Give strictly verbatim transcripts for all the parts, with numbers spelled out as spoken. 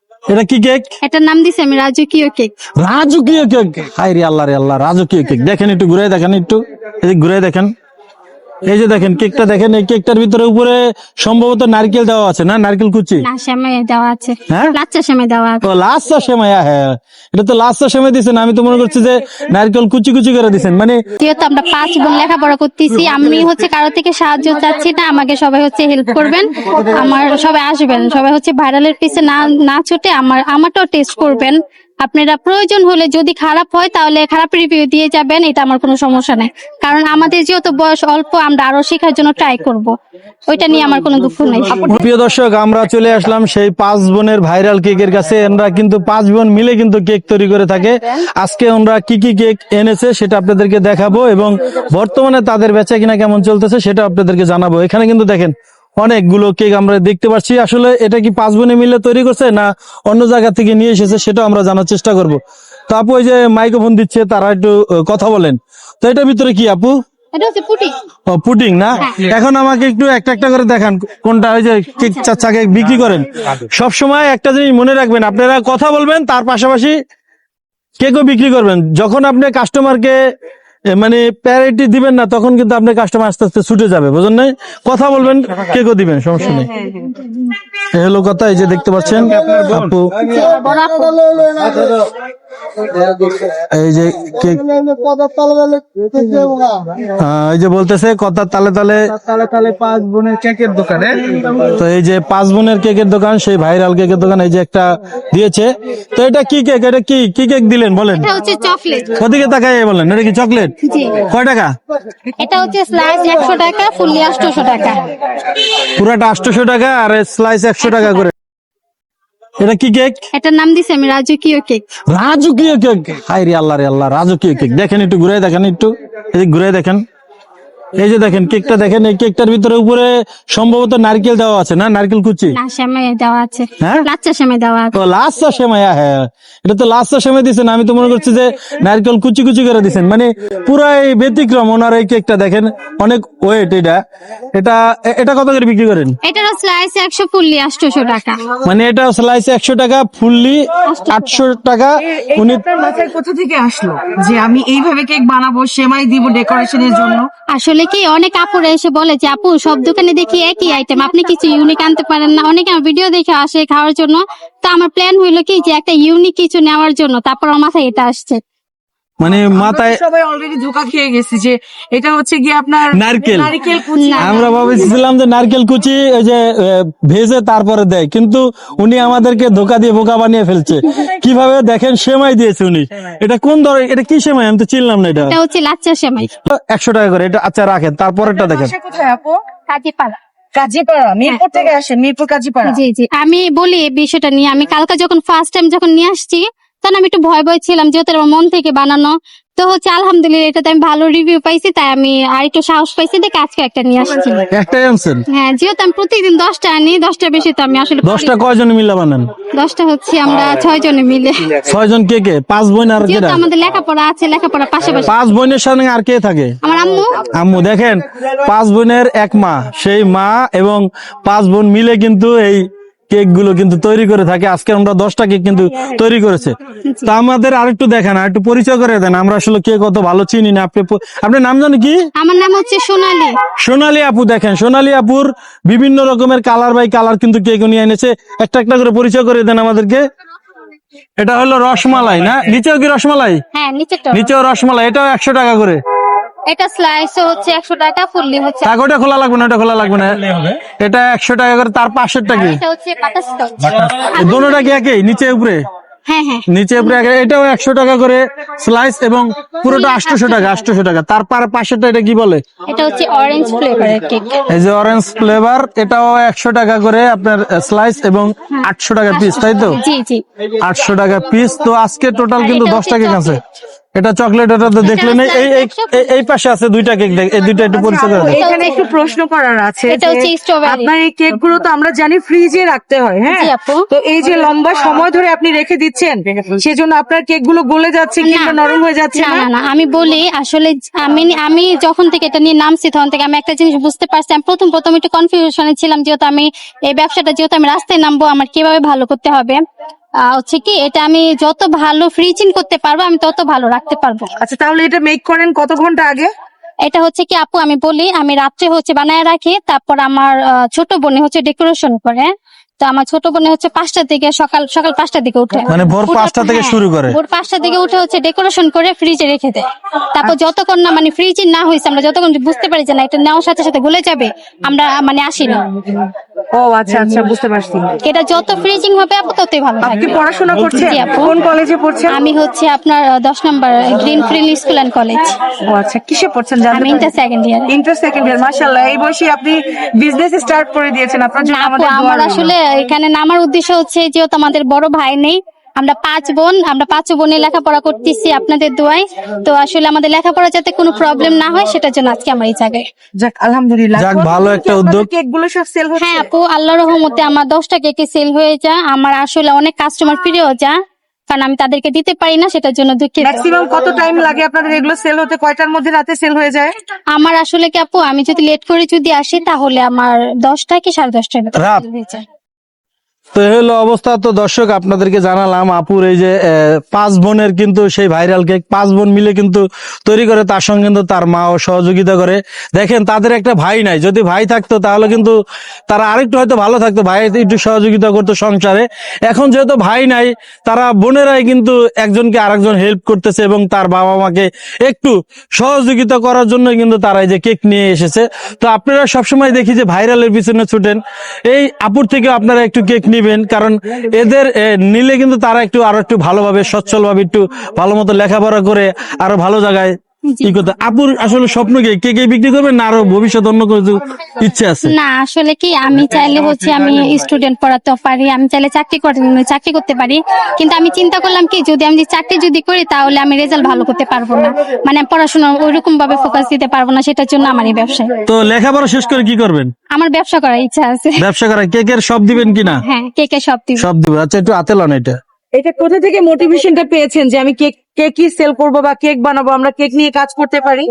এটা কি কেক? এটার নাম দিছি আমি রাজকীয় কেক। রাজকীয় কেক, হায় রে আল্লাহ রে আল্লাহ, রাজকীয় কেক। দেখেন একটু ঘুরে দেখেন, একটু এদিক ঘুরে দেখেন। এই যে দেখেন কেকটা দেখেন, এই কেকটার ভিতরে উপরে সম্ভবত নারকেল দেওয়া আছে না, নারকেল কুচি? না, সেমাই দেওয়া আছে। হ্যাঁ, লাচ্চা সেমাই দেওয়া আছে। ও লাচ্চা সেমাই, হ্যাঁ এটা তো লাচ্চা সেমাই দিচ্ছেন। আমি তো মনে করছি যে নারকেল কুচি কুচি করে দিচ্ছেন। মানে যেহেতু আমরা পাঁচ বোন লেখাপড়া করতেছি, আমি হচ্ছে কারো থেকে সাহায্য চাচ্ছি না, আমাকে সবাই হচ্ছে হেল্প করবেন, আমার সবাই আসবেন, সবাই হচ্ছে ভাইরালের পিছে না না ছুটে আমার আমারটাও টেস্ট করবেন। আপনারা প্রয়োজন হলে যদি খারাপ হয় তাহলে খারাপ রিভিউ দিয়ে যাবেন, এটা আমার কোনো সমস্যা নেই, কারণ আমাদের যেহেতু বয়স অল্প আমরা আরো শেখার জন্য ট্রাই করব, ওইটা নিয়ে আমার কোনো দুঃখ নেই। প্রিয় দর্শক, আমরা চলে আসলাম সেই পাঁচ বোনের ভাইরাল কেকের কাছে। এরা কিন্তু পাঁচ বোন মিলে কিন্তু কেক তৈরি করে থাকে। আজকে আমরা কি কি কেক এনেছে সেটা আপনাদেরকে দেখাবো এবং বর্তমানে তাদের বেচা কিনা কেমন চলতেছে সেটা আপনাদেরকে জানাবো। এখানে কিন্তু দেখেন অনেকগুলো কেক আমরা দেখতে পাচ্ছি। আসলে এটা কি পাঁচ বোনে মিলে তৈরি করছে না অন্য জায়গা থেকে নিয়ে এসেছে সেটা আমরা জানার চেষ্টা করব। তো আপু, ওই যে মাইক্রোফোন দিচ্ছে তারা একটু আহ, কথা বলেন তো। এটার ভিতরে কি আপু? এটা হচ্ছে পুডিং। ও পুডিং না? এখন আমাকে একটু একটা একটা করে দেখান কোনটা। ওই যে কেক চাচা কেক বিক্রি করেন, সব সময় একটা জিনিস মনে রাখবেন, আপনারা কথা বলবেন তার পাশাপাশি কেকও বিক্রি করবেন। যখন আপনি কাস্টমারকে এ, মানে প্যারিটি দিবেন না, তখন কিন্তু আপনার কাস্টমার আস্তে আস্তে ছুটে যাবে, বুঝলেন না? কথা বলবেন, কেকও দিবেন, সমস্যা নেই। এই হলো কথা। এই যে দেখতে পাচ্ছেন আপু, এই যে কেক, আহ, এই যে বলতেছে কথা তালে তালে তালে তালে পাঁচ বোনের কেকের দোকানে। তো এই যে পাঁচ বোনের কেকের দোকান, সেই ভাইরাল কেকের দোকান, এই যে একটা দিয়েছে। তো এটা কি কেক? এটা কি কি কেক দিলেন বলেন? এটা হচ্ছে চকলেট। ওদিকে তাকাই বলেন, এটা কি চকলেট? জি। কয় টাকা? এটা হচ্ছে স্লাইস একশো টাকা, ফুললি আটশোশো টাকা। পুরাটা আটশোশো টাকা আর স্লাইস একশো টাকা করে। এটা কি কেক? এটার নাম দিছি আমি রাজকীয় কেক। রাজকীয় কেক, হায় রে আল্লাহ রে আল্লাহ, রাজকীয় কেক। দেখেন একটু ঘুরে দেখেন, একটু এদিক ঘুরে দেখেন। এই যে দেখেন কেকটা দেখেন, এই কেকটার ভিতরে উপরে সম্ভবত নারকেল দেওয়া আছে না, নারকেল কুচি? না, সেমাই দেওয়া আছে। হ্যাঁ, লাচ্চা সেমাই দেওয়া আছে। ও লাচ্চা সেমাই, হ্যাঁ এটা তো লাচ্চা সেমাই দিচ্ছেন। আমি তো মনে করছি যে নারকেল কুচি কুচি করে দিচ্ছেন। মানে পুরাই ব্যতিক্রম ওনার এই কেকটা। দেখেন অনেক ওয়েট। এটা এটা এটা কত করে বিক্রি করেন? এটারও স্লাইস একশো, ফুললি আটশোশো টাকা। মানে এটা স্লাইস একশো টাকা, ফুললি আটশো টাকা। উনি আপনার মাথায় কোথা থেকে আসলো যে আমি এইভাবে কেক বানাবো, সেমাই দিব ডেকোরেশনের জন্য? আসলে কি অনেক আপুরা এসে বলে যে আপু সব দোকানে দেখি একই আইটেম, আপনি কিছু ইউনিক আনতে পারেন না? অনেকে আমার ভিডিও দেখে আসে খাওয়ার জন্য। তো আমার প্ল্যান হইলো কি যে একটা ইউনিক কিছু নেওয়ার জন্য, তারপর আমার মাথায় এটা আসছে। মানে মাথায় আমরা তো সবাই অলরেডি ধোকা খেয়ে গেছি যে এটা হচ্ছে কি আপনার নারকেল। নারকেল কুচি। আমরা ভাবছিলাম যে নারকেল কুচি ওই যে আহ, ভেজে তারপরে দেয়, কিন্তু উনি আমাদেরকে ধোকা দিয়ে বোকা বানিয়ে ফেলছে। কিভাবে দেখেন, সেমাই দিয়েছে উনি। এটা কোন ধরনের, এটা কি সেমাই আমি তো চিনলাম না। এটা এটা হচ্ছে লাচ্চা সেমাই। একশো টাকা করে। এটা আচ্ছা রাখেন, তারপরেরটা দেখেন। বাসা কোথায় আপু? কাজীপাড়া। কাজীপাড়া, মিরপুর থেকে আসেন? মিরপুর কাজীপাড়া। জি জি, আমি বলি এই বিষয়টা নিয়ে। আমি কালকে যখন ফার্স্ট টাইম যখন নিয়ে আসছি, তখন আমি একটু ভয় ভয় ছিলাম, যেহেতু আমার মন থেকে বানানো। তো হচ্ছে আলহামদুলিল্লাহ এটাতে আমি ভালো রিভিউ পাইছি, তাই আমি আর একটু সাহস পাইছি দেখে আজকে একটা নিয়ে আসছি। একটাই আনছেন? হ্যাঁ, যেহেতু আমি প্রতিদিন দশটা আনি, দশটার বেশি তো আমি আসলে দশটা কয়জন মিলে বানান? দশটা হচ্ছে আমরা ছয় জনে মিলে। ছয় জন। কে কে? পাঁচ বোন আর যেহেতু কেরা? আমাদের লেখাপড়া আছে, লেখাপড়া পাশাপাশি। পাঁচ বোনের সঙ্গে আর কে থাকে? আমার আম্মু। আম্মু। দেখেন পাঁচ বোনের এক মা, সেই মা এবং পাঁচ বোন মিলে কিন্তু এই কেক গুলো কিন্তু তৈরি করে থাকে। আজকে আমরা দশটা কেক কিন্তু তৈরি করেছে। তা আমাদের আরেকটু দেখান, আর একটু পরিচয় করে দেন। আমরা আসলে কে কত ভালো চিনি না। আপনি আপনার নাম জানেন কি? আমার নাম হচ্ছে সোনালী। সোনালী আপু। দেখেন সোনালী আপুর বিভিন্ন রকমের কালার বাই কালার কিন্তু কেক নিয়ে এনেছে। একটা একটা করে পরিচয় করে দেন আমাদেরকে। এটা হলো রসমালাই না? নিচেও কি রসমালাই? হ্যাঁ, নিচেরটা। নিচেও রসমালাই। এটাও একশো টাকা করে। এটা স্লাইস হচ্ছে একশো টাকা, ফুললি হচ্ছে। টাকা ওটা খোলা লাগবে না, ওটা খোলা লাগবে না। এটা একশো টাকা করে। তার পাশেরটা কি? এটা হচ্ছে বাটারস্কচ। দোনোটা কি একই? নিচে উপরে? হ্যাঁ হ্যাঁ। নিচে উপরে এক। এটাও একশো টাকা করে স্লাইস এবং পুরোটা আটশোশো টাকা। আটশোশো টাকা। তারপর পাশেরটা এটা কি বলে? এটা হচ্ছে অরেঞ্জ ফ্লেভারের কেক। এই যে অরেঞ্জ ফ্লেভার, এটাও একশো টাকা করে আপনার স্লাইস এবং আটশো টাকা পিস, তাই তো? জি জি। আটশো টাকা পিস। তো আজকে টোটাল কিন্তু এটা দশটা হচ্ছে কেক আছে। এটা চকলেট, এটা তো দেখলেন। এই এই এই- এই পাশে আছে দুইটা কেক, দেখ এই দুইটা একটু পরিচয় করে দেন। এখানে একটু প্রশ্ন করার আছে এটা যে হচ্ছে স্ট্রবেরি। আপনার এই কেক গুলো তো আমরা জানি ফ্রিজে রাখতে হয়, হ্যাঁ? জি আপু। তো এই যে লম্বা সময় ধরে আপনি রেখে দিচ্ছেন, সেজন্য আপনার কেক গুলো গলে যাচ্ছে কিংবা নরম হয়ে যাচ্ছে না না? না না, আমি বলি আসলে আমি আমি যখন থেকে এটা নিয়ে নামছি তখন থেকে আমি একটা জিনিস বুঝতে পারছি। আমি প্রথম প্রথম একটু কনফিউশনে ছিলাম, যেহেতু আমি এই ব্যবসাটা যেহেতু আমি রাস্তায় নামবো, আমার কিভাবে ভালো করতে হবে। আহ, হচ্ছে কি এটা আমি যত ভালো ফ্রিজিং করতে পারবো আমি তত ভালো রাখতে পারবো। আচ্ছা, তাহলে এটা মেক করেন কত ঘন্টা আগে? এটা হচ্ছে কি আপু আমি বলি, আমি রাত্রে হচ্ছে বানায় রাখি, তারপর আমার আহ, ছোট বোনে হচ্ছে ডেকোরেশন করে। তো আমার ছোট বোনে হচ্ছে পাঁচটার দিকে সকাল সকাল পাঁচটার দিকে উঠে, মানে ভোর উঠে- পাঁচটা থেকে হ্যাঁ, শুরু করে? ভোর পাঁচটার দিকে উঠে হচ্ছে ডেকোরেশন করে ফ্রিজে রেখে দেয়। তারপর যতক্ষণ না মানে ফ্রিজে না হয়েছে, আমরা যতক্ষণ বুঝতে পারি যে না এটা নেওয়ার সাথে সাথে গলে যাবে, আমরা মানে আসি না। ও আচ্ছা আচ্ছা, বুঝতে পারছি। এটা যত ফ্রিজিং হবে আপু ততই ভালো আপনি থাকবে। পড়াশোনা করছেন? জি আপু। কোন কলেজে পড়ছেন? আমি হচ্ছে আপনার আহ, দশ নম্বর green field school and college. ও আচ্ছা, কিসে পড়ছেন জানতে আমি পারি? Inter second year. Inter second year. মাশাআল্লাহ, এই বয়সে আপনি বিজনেস স্টার্ট করে দিয়েছেন। আপনার জন্য না আপু, আমাদের দোয়া আমার রইল। আসলে এখানে নামার উদ্দেশ্য হচ্ছে যেহেতু আমাদের বড় ভাই নেই, আমরা পাঁচ বোন, আমরা পাঁচ বোনে লেখাপড়া করতেছি আপনাদের দোয়ায়। তো আসলে আমাদের লেখাপড়া যাতে কোনো প্রবলেম না হয় সেটার জন্য আজকে আমার এই জায়গায়। যাক আলহামদুলিল্লাহ। যাক, ভালো একটা উদ্যোগ। কেক গুলো সব সেল হচ্ছে? হ্যাঁ আপু, আল্লাহর রহমতে আমার দশটা কেকে সেল হয়ে যায়। আমার আসলে অনেক কাস্টমার ফিরেও যায়, কারণ আমি তাদেরকে দিতে পারি না, সেটার জন্য দুঃখিত। ম্যাক্সিমাম কত টাইম লাগে আপনাদের এগুলো সেল হতে? কয়টার মধ্যে রাতে সেল হয়ে যায়? আমার আসলে কি আপু, আমি যদি লেট করে যদি আসি তাহলে আমার দশটা কি সাড়ে দশটার ভিতরে রাত? sell হয়ে যায়। তো এই হলো অবস্থা। তো দর্শক আপনাদেরকে জানালাম আপুর এই যে আহ, পাঁচ বোনের কিন্তু সেই ভাইরাল কেক পাঁচ বোন মিলে কিন্তু তৈরি করে, তার সঙ্গে কিন্তু তার মাও সহযোগিতা করে। দেখেন তাদের একটা ভাই নাই, যদি ভাই থাকতো তাহলে কিন্তু তারা আরেকটু হয়তো ভালো থাকতো, ভাই একটু সহযোগিতা করতো সংসারে। এখন যেহেতু ভাই নাই, তারা বোনেরাই কিন্তু একজনকে আরেকজন হেল্প করতেছে এবং তার বাবা মাকে একটু সহযোগিতা করার জন্য কিন্তু তারা এই যে কেক নিয়ে এসেছে। তো আপনারা সবসময় দেখি যে ভাইরালের পিছনে ছুটেন, এই আপুর থেকে আপনারা একটু কেক নিবেন, কারণ এদের এ, নিলে কিন্তু তারা একটু আরো একটু ভালোভাবে সচ্ছল ভাবে একটু ভালো মতো লেখাপড়া করে আরো ভালো জায়গায় কি করতে। আপুর আসলে স্বপ্ন কি কে কে বিক্রি করবেন না আরো ভবিষ্যৎ অন্য কিছু ইচ্ছে আছে? না আসলে কি, আমি চাইলে হচ্ছে আমি স্টুডেন্ট পড়াতে পারি, আমি চাইলে চাকরি করতে চাকরি করতে পারি, কিন্তু আমি চিন্তা করলাম কি যদি আমি যে চাকরি যদি করি তাহলে আমি রেজাল্ট ভালো করতে পারবো না, মানে পড়াশোনা ওইরকম ভাবে ফোকাস দিতে পারবো না, সেটার জন্য আমার এই ব্যবসায়। তো লেখাপড়া শেষ করে কি করবেন? আমার ব্যবসা করার ইচ্ছা আছে। ব্যবসা করা, কেকের সব দিবেন কিনা? হ্যাঁ, কেকে সব দিব। সব দিবেন। আচ্ছা, একটু হাতে লন এটা। এটা কোথা থেকে মোটিভেশনটা পেয়েছেন যে আমি কেক কেকই সেল করব বা কেক বানাবো, আমরা কেক নিয়ে কাজ করতে পারি?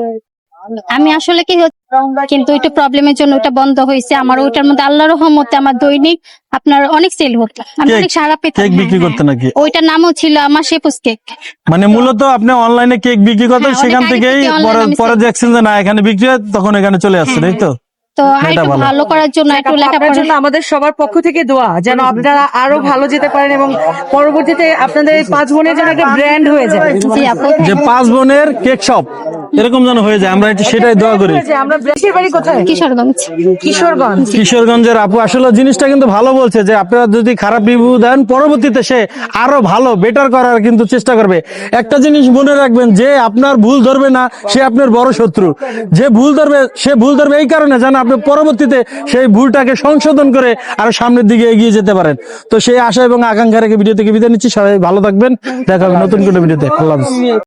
আমি আসলে কি হচ্ছে, কিন্তু ওইটা প্রবলেমের জন্য ওটা বন্ধ হয়েছে। আমার ওইটার মধ্যে আল্লাহর রহমতে আমার দৈনিক আপনার অনেক সেল হতো, আমি কেক- অনেক সারা পেতাম। কেক হ্যাঁ, বিক্রি হ্যাঁ। করতে নাকি? ওইটার নামও ছিল আমার শেপুস কেক। মানে মূলত আপনি অনলাইনে কেক বিক্রি করতেন, হ্যাঁ, অনেক সেখান আগে থেকেই থেকে online পরে আমি পরে sell দেখছেন যে না এখানে বিক্রি হয়, তখন এখানে চলে আসছেন, এই তো? তো আর এটা একটু ভালো। ভালো করার জন্য একটু আপনার লেখাপড়া। জন্য আমাদের সবার পক্ষ থেকে দোয়া, যেন আপনারা আরো ভালো যেতে পারেন এবং পরবর্তীতে আপনাদের এই পাঁচ বোনের জন্য একটা ব্র্যান্ড হয়ে যায়। জি আপু। যে পাঁচ বোনের কেক শপ এরকম যেন হয়ে যায়, আমরা একটু সেটাই দোয়া করি। যে আমরা দেশের বাড়ি কোথায়? কিশোরগঞ্জ। কিশোরগঞ্জ। কিশোরগঞ্জের আপু আসলে জিনিসটা কিন্তু ভালো বলছে যে আপনারা যদি খারাপ রিভিউ দেন পরবর্তীতে সে আরো ভালো বেটার করার কিন্তু চেষ্টা করবে। একটা জিনিস মনে রাখবেন, যে আপনার ভুল ধরবে না সে আপনার বড় শত্রু, যে ভুল ধরবে সে ভুল ধরবে এই কারণে যেন আপনি পরবর্তীতে সেই ভুলটাকে সংশোধন করে আরো সামনের দিকে এগিয়ে যেতে পারেন। তো সেই আশা এবং আকাঙ্ক্ষা রেখে ভিডিও থেকে বিদায় নিচ্ছি। সবাই ভালো থাকবেন, দেখা হবে নতুন কোনো ভিডিওতে। আল্লাহ হাফেজ।